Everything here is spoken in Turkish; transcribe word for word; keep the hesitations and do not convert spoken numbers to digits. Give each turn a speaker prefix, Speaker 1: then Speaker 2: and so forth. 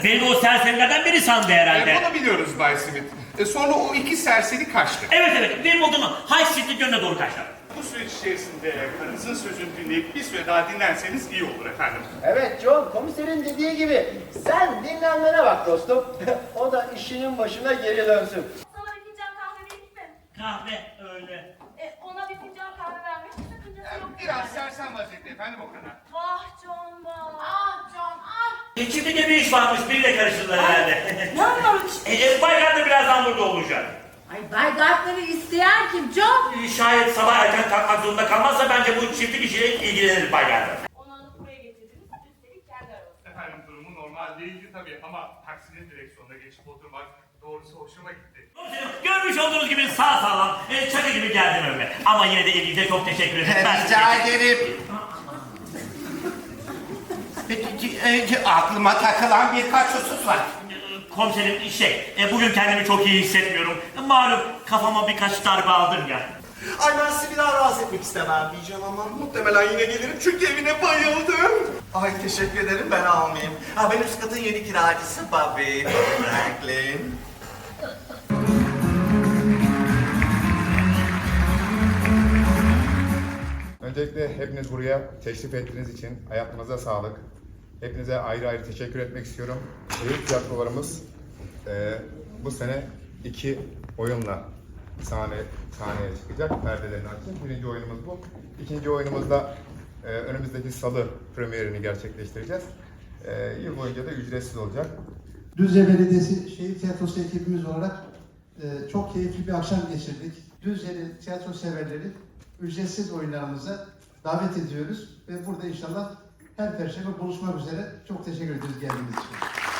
Speaker 1: Beni o serserilerden biri sandı herhalde.
Speaker 2: E, bunu biliyoruz Bay Smith. E, sonra o iki serseri kaçtı.
Speaker 1: Evet evet, Wimbledon'un High Street yönüne doğru kaçtı.
Speaker 2: Bu süreç içerisinde karınızın sözünü dinleyip bir süre daha dinlerseniz iyi olur efendim.
Speaker 3: Evet John, komiserin dediği gibi sen dinlenmene bak dostum. O da işinin başına geri dönsün.
Speaker 4: Sana bir fincan kahve vereyim mi?
Speaker 1: Kahve öyle.
Speaker 4: E, ona bir fincan kahve vermek sakıncası yok.
Speaker 2: Biraz
Speaker 4: yani.
Speaker 2: sersem vaziyette efendim o kadar.
Speaker 4: Vah John vah. Ah John ah.
Speaker 1: E, Çiftlikte bir iş varmış, biriyle karıştırdılar herhalde.
Speaker 4: Ne varmış?
Speaker 1: e, e, Baykan da birazdan burada olacak.
Speaker 5: Ay Bay Gartner'ı isteyen kim John?
Speaker 1: E, Şayet sabah erken kalkmak zorunda kalmazsa bence bu çiftlik işiyle ilgilenir Baykan.
Speaker 4: Onu alıp buraya getirdiniz. Üstelik kendi aranızda.
Speaker 2: Efendim durumu normal değildi tabii ama taksinin direksiyonuna geçip oturmak doğrusu hoşuma gitti.
Speaker 1: Görmüş olduğunuz gibi sağ sağlam, e, çakı gibi geldim önüme. Ama yine de ilginize çok teşekkür ederim. Ben-
Speaker 6: Rica ederim. Peki, e, aklıma takılan birkaç husus var.
Speaker 1: Komiserim şey, e, bugün kendimi çok iyi hissetmiyorum. Malum kafama birkaç darbe aldım ya.
Speaker 7: Ay ben sizi bir daha rahatsız etmek istemem diyeceğim ama muhtemelen yine gelirim çünkü evine bayıldım. Ay teşekkür ederim, ben almayayım. Ha benim üst katın yeni kiracısı Bobby Franklin.
Speaker 8: Öncelikle hepiniz buraya teşrif ettiğiniz için hayatınıza sağlık. Hepinize ayrı ayrı teşekkür etmek istiyorum. Büyük tiyatrolarımız e, bu sene iki oyunla sahne sahneye çıkacak. Perdelerini açacak. Birinci oyunumuz bu. İkinci oyunumuzda e, önümüzdeki salı premierini gerçekleştireceğiz. E, yıl boyunca da ücretsiz olacak.
Speaker 9: Düzce Belediyesi Şehir Tiyatrosu ekibimiz olarak e, çok keyifli bir akşam geçirdik. Düzce'li tiyatro severleri ücretsiz oyunlarımıza davet ediyoruz ve burada inşallah her perşembe buluşmak üzere. Çok teşekkür ederiz geldiğiniz için.